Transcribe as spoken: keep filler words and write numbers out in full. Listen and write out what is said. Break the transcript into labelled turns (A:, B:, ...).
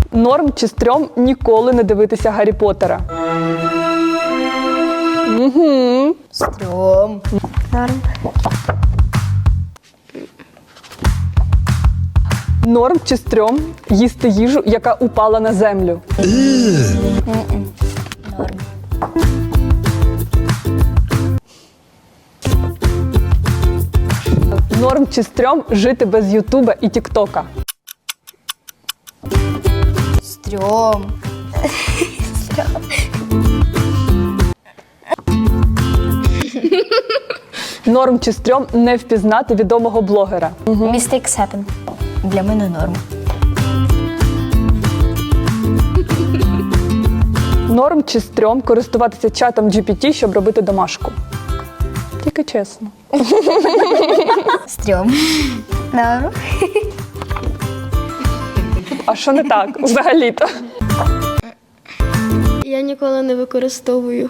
A: Норм чи стрьом ніколи не дивитися Гаррі Поттера? Угу.
B: Стрьом.
C: Норм.
A: Норм чи стрьом їсти їжу, яка упала на землю?
B: Норм.
A: Норм чи стрьом жити без Ютуба і Тіктока?
B: Стрьом.
A: Норм чи стрьом не впізнати відомого блогера?
B: Mistakes happen. Для мене норм.
A: Норм чи стрьом користуватися чатом джі пі ті, щоб робити домашку? Тільки чесно.
B: Стрьом.
C: Норм.
A: А що не так взагалі-то?
D: Я ніколи не використовую.